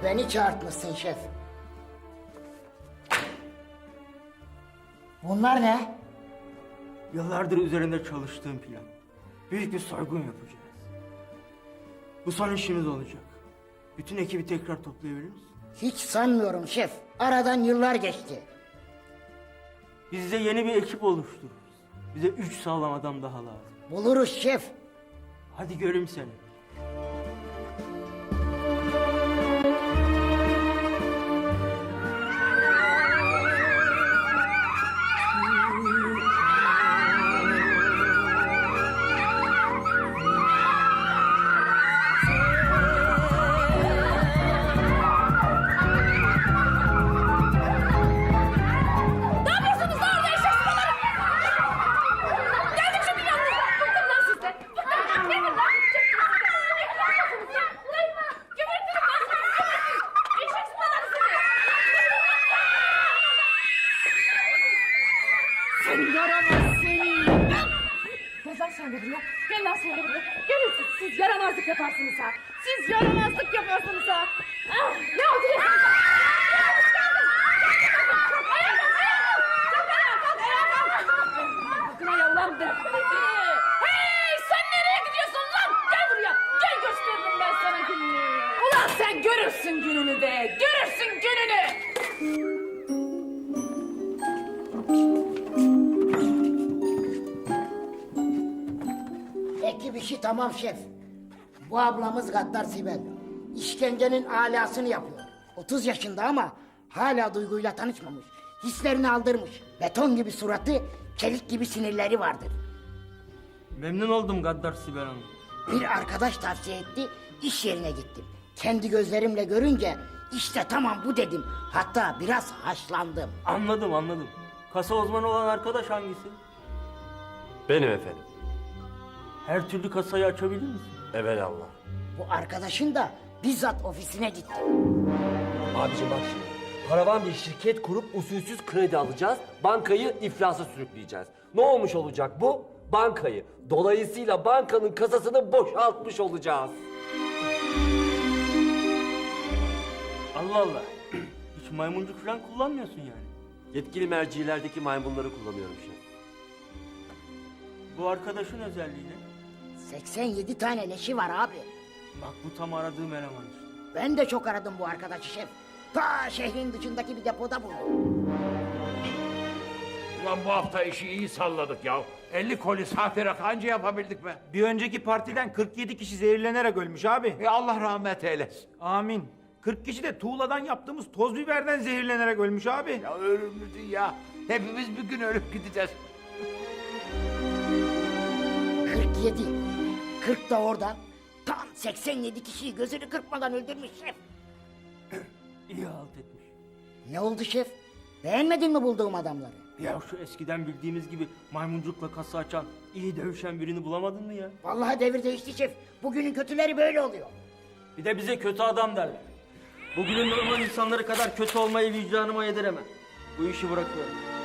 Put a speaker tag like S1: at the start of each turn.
S1: beni çağırtmışsın şef. Bunlar ne?
S2: Yıllardır üzerinde çalıştığım plan. Büyük bir soygun yapacağız. Bu son işimiz olacak. Bütün ekibi tekrar toplayabilir misin?
S1: Hiç sanmıyorum şef. Aradan yıllar geçti.
S2: Biz de yeni bir ekip oluştururuz. Bize 3 sağlam adam daha lazım.
S1: Buluruz şef.
S2: Hadi göreyim seni.
S3: Gel lan sen de buraya. Gelin siz yaramazlık yaparsınız ha. Siz yaramazlık yaparsınız ha. Ah, ne oldu ya? Hoş geldin. Ayağa kalk. Bakın ayağım dedim. Hey, sen nereye gidiyorsun lan? Gel buraya. Gel gösteririm ben sana gününü. Ulan sen görürsün gününü de. Görürsün gününü.
S1: Ekip işi tamam şef. Bu ablamız Gaddar Sibel. İşkencenin alasını yapıyor. 30 yaşında ama hala duyguyla tanışmamış. Hislerini aldırmış. Beton gibi suratı, çelik gibi sinirleri vardır.
S2: Memnun oldum Gaddar Sibel Hanım.
S1: Bir arkadaş tavsiye etti, iş yerine gittim. Kendi gözlerimle görünce işte tamam bu dedim. Hatta biraz haşlandım.
S2: Anladım. Kasa uzmanı olan arkadaş hangisi?
S4: Benim efendim.
S2: Her türlü kasayı açabilir misin?
S4: Evelallah.
S1: Bu arkadaşın da bizzat ofisine gitti.
S4: Abicim bak şimdi. Paravan bir şirket kurup usulsüz kredi alacağız. Bankayı iflasa sürükleyeceğiz. Ne olmuş olacak bu? Bankayı. Dolayısıyla bankanın kasasını boşaltmış olacağız.
S2: Allah. Hiç maymuncuk falan kullanmıyorsun yani.
S4: Yetkili mercilerdeki maymunları kullanıyorum şef.
S2: Bu arkadaşın özelliği ne?
S1: 87 tane leşi var abi.
S2: Bak bu tam aradığım eleman işte.
S1: Ben de çok aradım bu arkadaşı şef. Ta şehrin dışındaki bir depoda buldum.
S5: Ulan bu hafta işi iyi salladık ya. 50 koli sahte rakı anca yapabildik be.
S6: Bir önceki partiden 47 kişi zehirlenerek ölmüş abi.
S5: Allah rahmet eylesin.
S6: Amin. 40 kişi de tuğladan yaptığımız toz biberden zehirlenerek ölmüş abi.
S5: Ya ölümlü dünya. Hepimiz bir gün ölüp gideceğiz.
S1: 47. 40 da orada. Tam 87 kişiyi gözünü kırpmadan öldürmüş şef.
S2: İyi halt etmiş.
S1: Ne oldu şef? Beğenmedin mi bulduğum adamları?
S2: Ya şu eskiden bildiğimiz gibi maymuncukla kasa açan, iyi dövüşen birini bulamadın mı ya?
S1: Vallahi devir değişti şef. Bugünün kötüleri böyle oluyor.
S2: Bir de bize kötü adam derler. Bugünün normal insanları kadar kötü olmayı vicdanıma yediremem. Bu işi bırakıyorum.